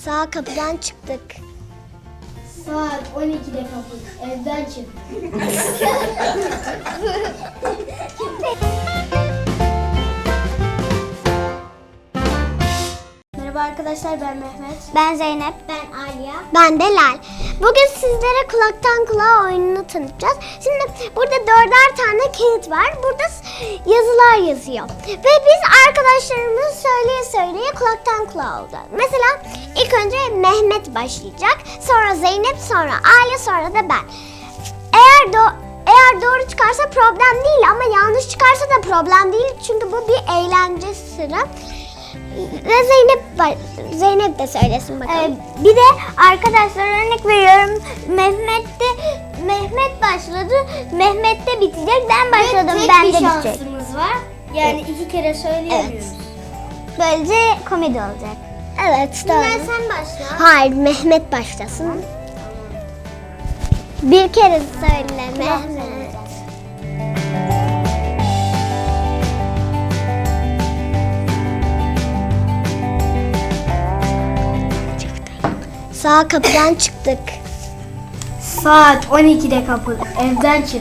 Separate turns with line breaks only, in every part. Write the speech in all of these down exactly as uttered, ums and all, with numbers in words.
Sağ kapıdan çıktık.
Saat on ikide kapı. Evden çık. Merhaba arkadaşlar, ben Mehmet.
Ben Zeynep.
Ben Aliya.
Ben de Lal. Bugün sizlere kulaktan kulağa oyununu tanıtacağız. Şimdi burada dörder tane kağıt var. Burada yazılar yazıyor. Ve biz arkadaşlarımız söyleye söyleye kulaktan kulağa olacağız. Mesela ilk önce Mehmet başlayacak. Sonra Zeynep, sonra Aliye, sonra da ben. Eğer do eğer doğru çıkarsa problem değil ama yanlış çıkarsa da problem değil. Çünkü bu bir eğlence sıra. Ve Zeynep Zeynep de söylesin bakalım.
Ee, bir de arkadaşlar örnek veriyorum. Mehmet'te Mehmet başladı. Mehmet'te bitecek. Ben başladım.
Tek
Ben
bir
de bitecek.
şansımız var. Yani iki kere söyleyemiyoruz.
Böylece komedi olacak.
Evet, doğru.
Bilal sen başla.
Hayır, Mehmet başlasın. Bir kere söyle Mehmet. Sağ kapıdan çıktık.
Saat on ikide kapı. Evden çık.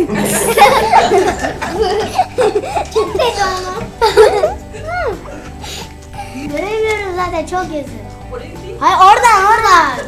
Göremiyoruz zaten, çok yazıyor. Hayır, oradan oradan.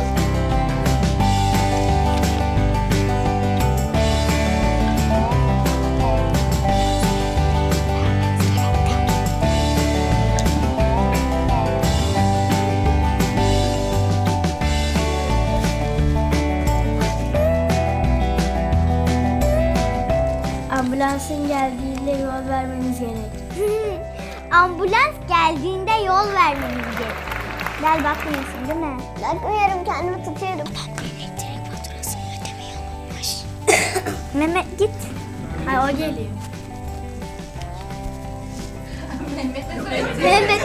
Ambulansın geldiğinde yol vermeniz gerek.
Ambulans geldiğinde yol vermemiz gerek. Gel bakmıyorsun değil mi?
Bakmıyorum, kendimi tutuyorum. Elektrik faturasını ödemeyi unutmuş.
Mehmet git.
Hayır, o geliyor.
Mehmet.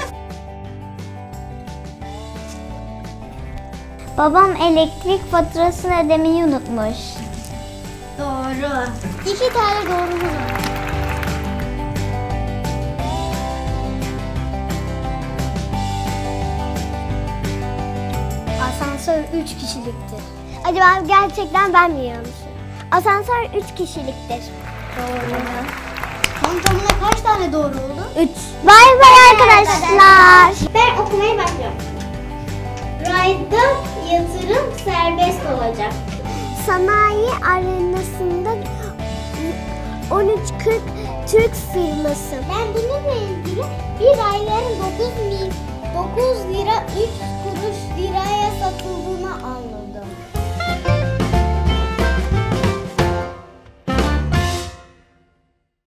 Babam elektrik faturasını ödemeyi unutmuş.
Doğru.
İki tane doğrumuz var.
Asansör üç kişiliktir.
Acaba gerçekten ben mi yanlışım? Asansör üç kişiliktir.
Doğru. Tam tamına kaç tane doğru oldu?
Üç. Bay bay arkadaşlar.
Ben okumaya başlıyorum. Rayda yatırım serbest olacak.
Sanayi arenasında on üç kırk Türk firması.
Ben bununla ilgili bir ayların dokuz lira üç